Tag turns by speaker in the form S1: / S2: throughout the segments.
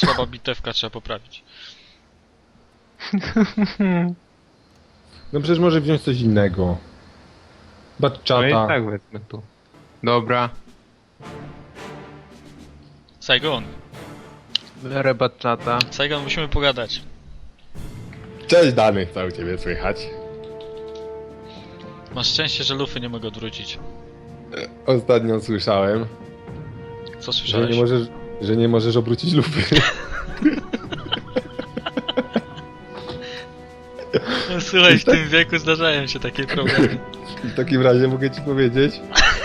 S1: Słaba bitewka, trzeba poprawić.
S2: No przecież może wziąć coś innego.
S3: No i
S2: Batchata.
S3: tak wezmę tu. Dobra.
S1: Saigon.
S3: Biorę batchata.
S1: Saigon, musimy pogadać.
S2: Cześć Dany, co u ciebie słychać?
S1: Masz szczęście, że lufy nie mogę odwrócić.
S2: Ostatnio słyszałem,
S1: Co
S2: że
S1: słyszałeś?
S2: nie możesz obrócić lupy.
S1: No, słuchaj, w tym wieku zdarzają się takie problemy.
S2: W takim razie mogę ci powiedzieć.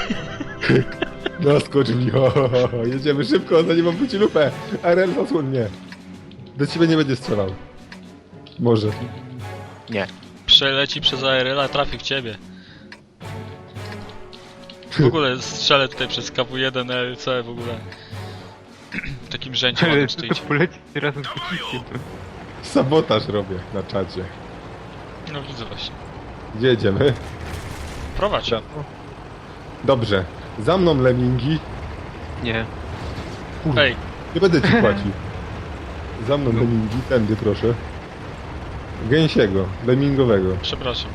S2: No skocz mi, jedziemy szybko, zanim obróci lupę. RL zasłon mnie. Do ciebie nie będzie strzelał. Może.
S3: Nie.
S1: Przeleci przez ARL, a trafi w ciebie. W ogóle strzelę tutaj przez KW1 LC w ogóle. W takim rzędzie
S3: Ale
S1: ładnym
S3: to
S1: stoicie.
S3: polecieć razem z pociskiem.
S2: Sabotaż robię na czacie.
S1: No widzę właśnie.
S2: Gdzie jedziemy?
S1: Prowadź.
S2: Dobrze. Za mną lemingi.
S3: Nie.
S2: Kurde,
S1: Ej,
S2: nie będę ci płacił. Za mną lemingi, tędy proszę. Gęsiego, lemingowego.
S1: przepraszam.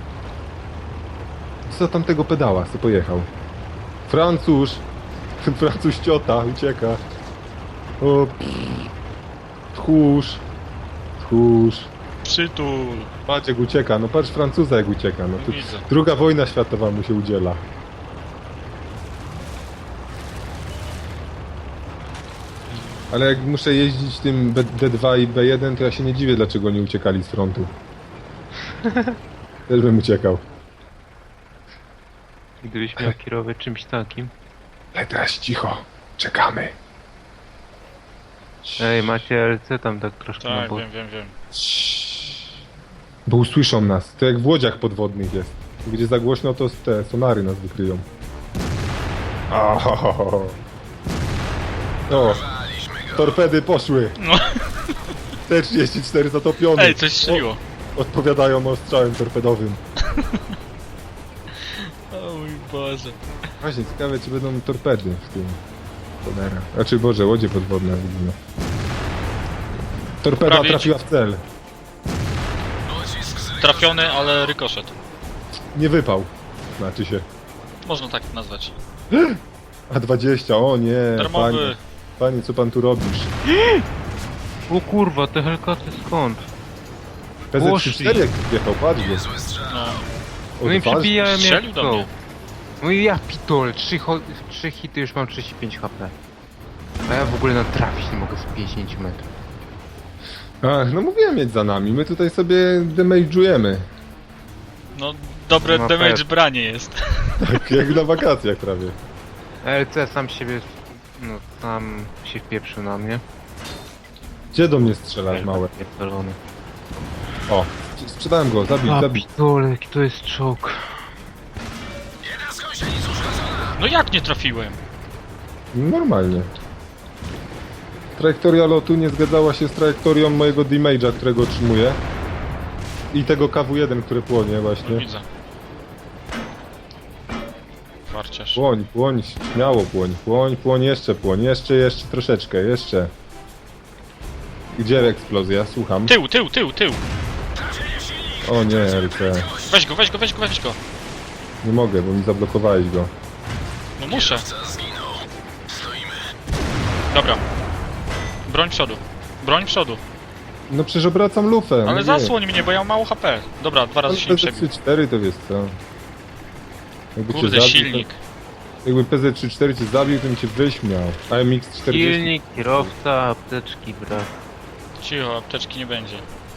S2: Co tam tego pedała, co pojechał? Francuz! Francuz ciota, ucieka. O, tchórz. Tchórz.
S1: Przytul.
S2: Patrz jak ucieka, no patrz Francuza jak ucieka. No, tu
S1: Widzę.
S2: druga wojna światowa mu się udziela. Ale jak muszę jeździć tym D2 i B1, to ja się nie dziwię, dlaczego nie uciekali z frontu. Też bym uciekał.
S3: Gdybyś miał kierować czymś takim.
S2: Ale teraz cicho, czekamy.
S3: Ej, macie LC tam tak troszkę na
S1: Tak,
S3: bok.
S1: wiem.
S2: Bo usłyszą nas. To jak w łodziach podwodnych jest. Gdzie za głośno, to te sonary nas wykryją. Ohohoho. O, torpedy poszły.
S1: No.
S2: T-34 zatopiony.
S1: Ej, coś strzeliło.
S2: Odpowiadają ostrzałem torpedowym.
S1: O mój Boże.
S2: Właśnie, ciekawe czy będą torpedy w tym. Cholera. Znaczy, Boże, łodzie podwodne widzimy. Torpeda
S1: Prawie
S2: trafiła w cel.
S1: Trafiony, ale rykoszet.
S2: Nie wypał. Znaczy się.
S1: Można tak nazwać.
S2: A20, o nie, panie.
S1: Darmowy.
S2: Panie, co pan tu robisz?
S3: O kurwa, te helkaty skąd?
S2: PZ34 jak wjechał, patrz go.
S1: No.
S3: No i
S2: Odważny.
S3: przebijałem jak
S1: Strzelił do
S3: go.
S1: mnie.
S3: No i ja pitol, 3 hity już mam 35 HP. A ja w ogóle na trafić nie mogę z 50 metrów.
S2: Ach, no mówiłem mieć za nami, my tutaj sobie damage'ujemy.
S1: No, dobre
S3: No,
S1: damage
S3: pewnie.
S1: branie jest.
S2: Tak jak na wakacjach prawie.
S3: LC sam siebie, no sam się wpieprzył na mnie.
S2: Gdzie do mnie strzelasz, małe?
S3: Pierdolony.
S2: O, sprzedałem go,
S3: A
S2: zabił.
S3: pitole, jaki to jest czołg.
S1: No jak nie trafiłem?
S2: Normalnie. Trajektoria lotu nie zgadzała się z trajektorią mojego damage'a, którego otrzymuję. I tego KW1, które płonie
S1: No,
S2: właśnie.
S1: widzę. Warciarz.
S2: Płoń, płoń, śmiało płoń, jeszcze troszeczkę, jeszcze. Gdzie eksplozja? Słucham.
S1: Tył.
S2: O nie, RC.
S1: Weź go.
S2: Nie mogę, bo mi zablokowałeś go.
S1: No muszę. Dobra. Broń przodu.
S2: No przecież obracam lufę.
S1: Ale
S2: no
S1: zasłoń mnie, bo ja mam mało HP. Dobra, 2 razy się nie przebił.
S2: PZ34 to wiesz co. Jakby
S1: Kurde,
S2: zabił,
S1: silnik.
S2: To, jakby PZ34 cię zabił, to bym cię wyjść miał. AMX-40...
S3: Silnik, kierowca, apteczki, brak.
S1: Cicho, apteczki nie będzie.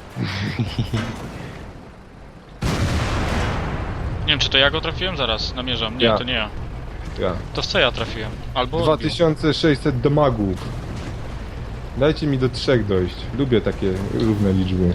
S1: Nie wiem, czy to ja go trafiłem? Zaraz, namierzam. Nie,
S2: Ja.
S1: to nie ja.
S2: Ja.
S1: To w co ja trafiłem? Albo...
S2: 2600 damagów. Dajcie mi do 3 dojść. Lubię takie równe liczby.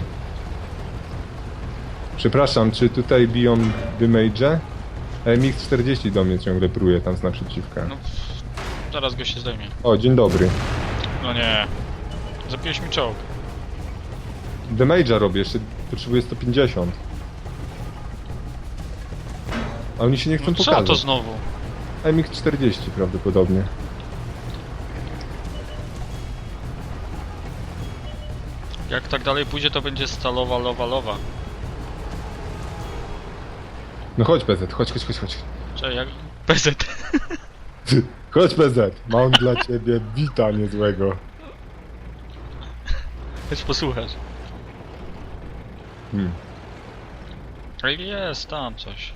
S2: Przepraszam, czy tutaj biją damage'e? MX-40 do mnie ciągle pruje tam z naprzeciwka.
S1: No, zaraz go się zdejmie.
S2: O, dzień dobry.
S1: No nie. Zabiłeś mi czołg.
S2: Damage'a robię, jeszcze potrzebuję 150. A oni się nie chcą
S1: No co
S2: pokazać.
S1: to znowu?
S2: MX-40 prawdopodobnie.
S1: Jak tak dalej pójdzie, to będzie stalowa, lowa.
S2: No chodź PZ, chodź.
S1: Czekaj, jak... PZ.
S2: Chodź PZ, mam dla ciebie wita niezłego.
S1: Chodź posłuchać.
S2: Hmm.
S1: Ale jest tam coś.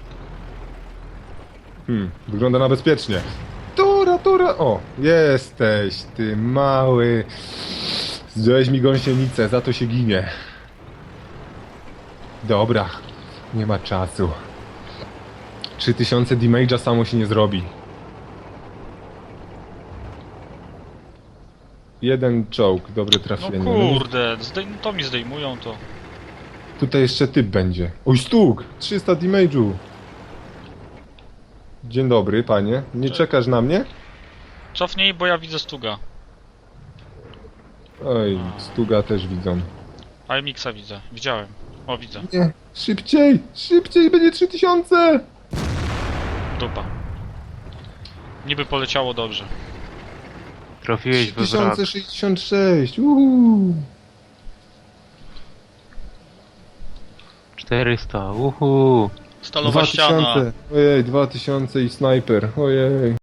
S2: Wygląda na bezpiecznie. Tura, o, jesteś, ty mały. Zdjąłeś mi gąsienicę, za to się ginie. Dobra, nie ma czasu. 3000 damage'a samo się nie zrobi. Jeden czołg, dobre
S1: No
S2: trafienie.
S1: kurde, to mi zdejmują to.
S2: Tutaj jeszcze typ będzie. Oj, stuk! 300 damage'u. Dzień dobry, panie. Nie czekasz na mnie?
S1: Cofnij, bo ja widzę Stuga.
S2: Oj, stuga też widzą.
S1: A Mixa widzę. Widziałem. O, widzę.
S2: Nie, szybciej, będzie 3000!
S1: Dupa. Niby poleciało dobrze.
S3: Trafiłeś we wrak.
S2: 3066,
S3: 400, uhu.
S1: Stalowa ściana.
S2: 2000, ojej, 2000 i snajper, ojej.